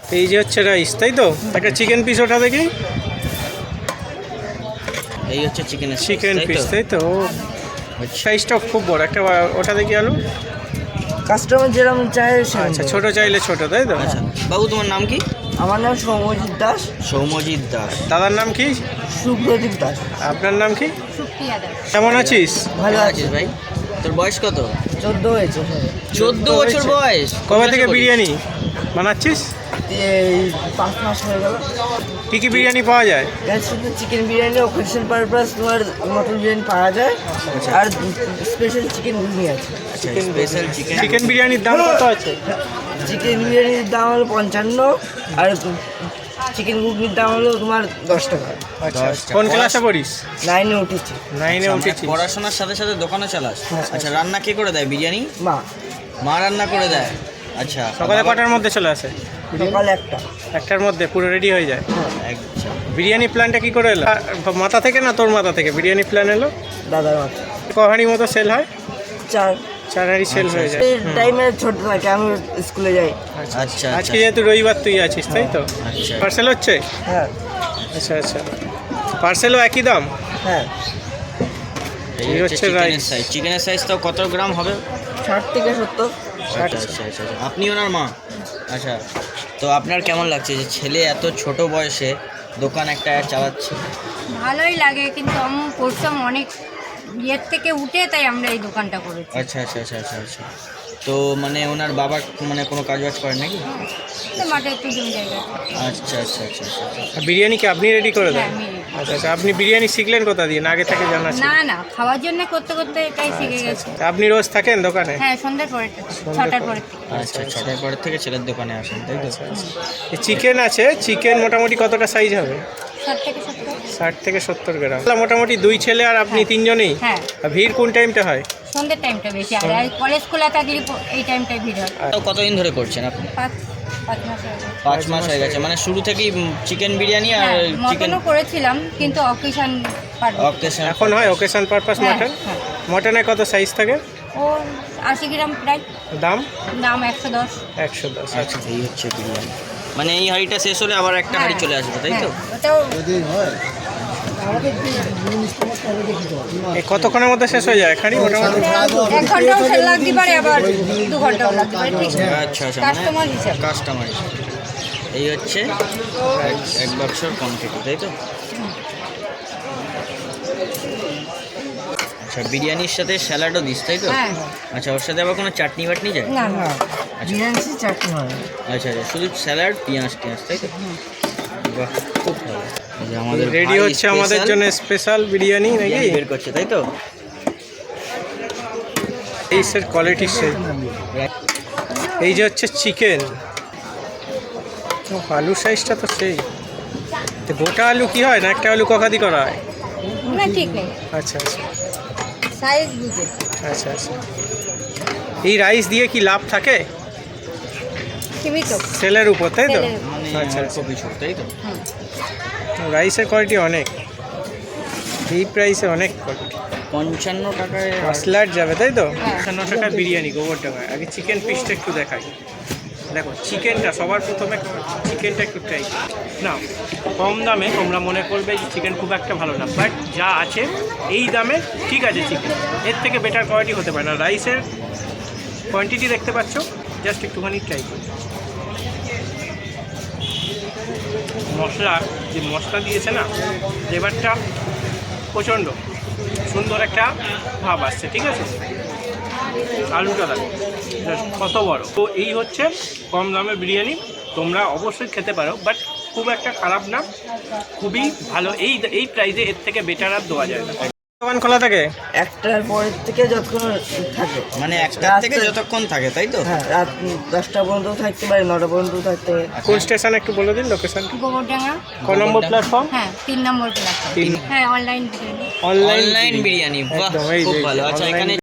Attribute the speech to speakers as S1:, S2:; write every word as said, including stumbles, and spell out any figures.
S1: এই যে হচ্ছে রাইস, তাই তো? একটা চিকেন পিস ওটা দেখি।
S2: এই হচ্ছে চিকেনের
S1: চিকেন পিস, তাই তো? সাইজটা খুব বড় একটা। ওটা দেখি আলু।
S3: কাস্টমার যেরকম চায় সেরকম
S1: আচ্ছা,
S3: দেবো।
S1: ছোট চাইলে ছোট, তাই তো?
S2: আচ্ছা বাবু, তোমার নাম কি?
S3: আমার নাম সৌম্যজিৎ দাস।
S2: সৌম্যজিৎ দাস।
S1: দাদার নাম কি?
S3: সুপ্রদীপ দাস।
S1: আপনার নাম কি?
S4: সুপ্রিয়া দাস।
S1: কেমন আছিস?
S3: ভালো
S2: কেমন
S3: আছিস?
S2: আছিস ভাই? তোর বয়স কত?
S3: চোদ্দ হয়েছে
S2: চোদ্দ বছর বয়স।
S1: কবে থেকে বিরিয়ানি বানাচ্ছিস?
S3: এই পাঁচ মাস হয়ে গেল।
S1: কী কী বিরিয়ানি পাওয়া যায়?
S3: এর শুধু চিকেন বিরিয়ানি, অকেশন পারপাস তোমার মটন বিরিয়ানি পাওয়া যায়, আর স্পেশাল চিকেন ঘুগনি আছে।
S2: Chicken special chicken.
S1: চিকেন বিরিয়ানির দাম কত আছে?
S3: চিকেন বিরিয়ানির দাম হলো পঞ্চান্ন, আর চিকেন ঘুগনির দাম হলো তোমার দশ টাকা।
S1: আচ্ছা,
S2: দশ টাকা।
S1: কোন ক্লাসে পড়িস?
S3: নাইনে উঠেছি।
S1: নাইনে
S2: আচ্ছা, মানে
S1: উঠেছিস।
S2: পড়াশোনার সাথে সাথে দোকানও চালাস? আচ্ছা, রান্না কে করে দেয় বিরিয়ানি?
S3: মা।
S2: মা রান্না করে দেয়। আচ্ছা,
S1: সকালে কটার মধ্যে চলে আসে?
S3: সকাল একটা।
S1: একটার মধ্যে পুরো রেডি হয়ে যায়।
S2: আচ্ছা,
S1: বিরিয়ানি প্ল্যানটা কি করে এলো? আ, মাথা থেকে না তোর মাথা থেকে বিরিয়ানি প্ল্যান এলো?
S3: দাদার মাথা।
S1: কহানি মতো সেল হয়?
S3: চার
S1: চার হাঁড়ি সেল হয়ে যায়।
S3: এই টাইমে ছোট থাকে, আমি স্কুলে যাই।
S2: আচ্ছা আচ্ছা
S1: আজকে যেহেতু রবিবার তুই আছিস, তাই তো?
S2: আচ্ছা।
S1: পার্সেল হচ্ছে?
S3: হ্যাঁ
S1: আচ্ছা আচ্ছা, পার্সেলও একই দাম?
S3: হ্যাঁ।
S2: এই
S1: এই
S2: হচ্ছে
S1: হচ্ছে
S2: চিকেনের
S1: rice।
S2: সাইজ। চিকেনের সাইজ তাও কত গ্রাম হবে?
S3: ষাট থেকে সত্তর।
S2: আচ্ছা আচ্ছা আচ্ছা আচ্ছা। আপনি ওনার মা? আচ্ছা, তো আপনার কেমন লাগছে যে ছেলে এত ছোট বয়সে দোকান একটা চালাচ্ছে?
S4: ভালোই লাগে, কিন্তু আমি পড়তাম অনেক ইয়ের থেকে উঠে, তাই আমরা এই দোকানটা করেছি।
S2: আচ্ছা আচ্ছা আচ্ছা আচ্ছা আচ্ছা। তো মানে ওনার বাবা মানে কোনো কাজ বাজ করেন নাকি?
S4: তো মাঠে একটু জমি জায়গা।
S2: আচ্ছা আচ্ছা আচ্ছা আচ্ছা।
S1: আর বিরিয়ানি কি আপনি রেডি করে দেন?
S4: হ্যাঁ, আমি ready।
S1: আচ্ছা আচ্ছা, আপনি বিরিয়ানি শিখলেন কোথা দিয়ে, না আগে থেকে জানা ছিল?
S4: না না, খাওয়ার জন্য করতে করতে এটাই শিখে গেছে।
S1: আচ্ছা, আপনি রোজ থাকেন দোকানে?
S4: হ্যাঁ, সন্ধ্যের পরে ছটার পরে থেকে।
S2: আচ্ছা, ছটার পরের থেকে ছেলের দোকানে আসেন, তাই তো?
S1: চিকেন আছে, চিকেন মোটামুটি কতটা সাইজ হবে?
S4: ষাট থেকে সত্তর।
S1: ষাট থেকে সত্তর গ্রাম। মোটামুটি দুই ছেলে আর আপনি তিনজনেই?
S4: হ্যাঁ,
S1: আর ভিড় কোন টাইমটা হয়?
S4: সন্ধ্যের টাইমটা বেশি, আর কলেজ খোলা থাকলে প- এই টাইমটাই ভিড় হয়।
S2: তো কতদিন ধরে করছেন আপনি?
S4: পাঁচ পাঁচ মাস হয়ে গেছে।
S2: পাঁচ মাস হয়ে গেছে, মানে শুরু থেকেই চিকেন বিরিয়ানি আর
S4: হ্যাঁ,
S2: চিকেন
S4: মটনও করেছিলাম, কিন্তু অকেশন
S2: অকেশন।
S1: এখন হয় ওকেশন পারপাস
S4: হ্যাঁ,
S1: মটন?
S4: হ্যাঁ।
S1: মটনে কত সাইজ থাকে?
S4: ও আশি গ্রাম প্রায়।
S1: দাম?
S4: দাম একশো দশ।
S1: একশো দশ।
S2: আচ্ছা, এই হচ্ছে বিরিয়ানি। মানে এই হাঁড়িটা শেষ হলে আবার একটা হাঁড়ি চলে আসবে, তাই তো?
S4: ওটাও
S1: এই কতক্ষণের মধ্যে শেষ হয়ে যায় খানি মোটামুটি?
S4: এক ঘন্টাও সেল লাগতে পারে, আবার দু ঘন্টাও লাগতে পারে, ঠিক আছে?
S2: আচ্ছা আচ্ছা,
S4: কাস্টমার হিসাব।
S2: কাস্টমার এই হচ্ছে এক- এক বাক্সর কোয়ান্টিটি, তাই তো? আচ্ছা, বিরিয়ানির সাথে স্যালাডও দিস, তাই তো?
S4: হ্যাঁ।
S2: আচ্ছা, ওর সাথে আবার কোনো চাটনি বাটনি যায়?
S4: না না,
S3: বিরিয়ানি চাটনি হয়।
S2: আচ্ছা আচ্ছা, শুধু স্যালাড পেঁয়াজ টিয়াজ, তাই তো? বাহ, খুব ভালো। এই যে আমাদের
S1: রেডি
S2: ভাই
S1: হচ্ছে আমাদের
S2: special
S1: জন্য স্পেশাল বিরিয়ানি নাকি?
S2: বিরিয়ানি বের করছে, তাই তো?
S1: এই স্যার কোয়ালিটি সে। এই যে হচ্ছে চিকেন, আলু সাইজটা তো সেই। তো গোটা আলু কি হয় না একটা আলু কখাদি করা হয়?
S4: না ঠিক নেই,
S1: আচ্ছা আচ্ছা
S4: সাইজ বুঝে।
S1: আচ্ছা আচ্ছা। এই রাইস দিয়ে কি লাভ থাকে
S4: সীমিত।
S1: সেলের উপর, তাই তো?
S4: সেলের উপর।
S2: মানে
S1: আচ্ছা
S2: অল্প কিছু, তাই তো?
S4: হুম।
S1: রাইসের কোয়ালিটি অনেক, এই প্রাইসে অনেক কোয়ালিটি।
S2: পঞ্চান্ন টাকায়
S1: মশলার যাবে, তাই তো?
S4: হ্যাঁ।
S1: পঞ্চান্ন টাকা বিরিয়ানি গোবর টাকায়। আগে চিকেন পিসটা একটু দেখাই। দেখো চিকেনটা সবার প্রথমে চিকেনটা একটু ট্রাই না। কম দামে তোমরা মনে করবে যে চিকেন খুব একটা ভালো না, বাট যা আছে এই দামে ঠিক আছে চিকেন, এর থেকে বেটার কোয়ালিটি হতে পারে না। রাইসের কোয়ান্টিটি দেখতে পাচ্ছ, জাস্ট একটুখানি ট্রাই করি। মশলা যে মশলা দিয়েছে না, ফ্লেভারটা প্রচণ্ড সুন্দর একটা ভাব আসছে, ঠিক আছে? আলুটা দেখো কত বড়। তো এই হচ্ছে কম দামে বিরিয়ানি, তোমরা অবশ্যই খেতে পারো, বাট খুব একটা খারাপ না, খুবই ভালো। এই এই প্রাইসে এর থেকে বেটার আর দেওয়া যায় না। দোকান খোলা থাকে
S3: একটার পরের থেকে যতক্ষণ থাকে,
S2: মানে একটা
S3: রাত-
S2: থেকে যতক্ষণ থাকে, তাই তো?
S3: হ্যাঁ, রাত দশটা পর্যন্ত থাকতে পারে, নটা পর্যন্ত থাকতে পারে।
S1: কোন স্টেশন একটু বলে দিন লোকেশন?
S4: গোবরডাঙ্গা।
S1: ক নম্বর প্ল্যাটফর্ম?
S4: হ্যাঁ, তিন নম্বর প্ল্যাটফর্ম।
S1: তিন।
S4: হ্যাঁ, online biryani.
S1: Online
S2: online biryani, বাহ,
S1: একদম, এই
S2: খুব
S1: যে
S2: ভালো। আচ্ছা,
S1: online
S2: এখানে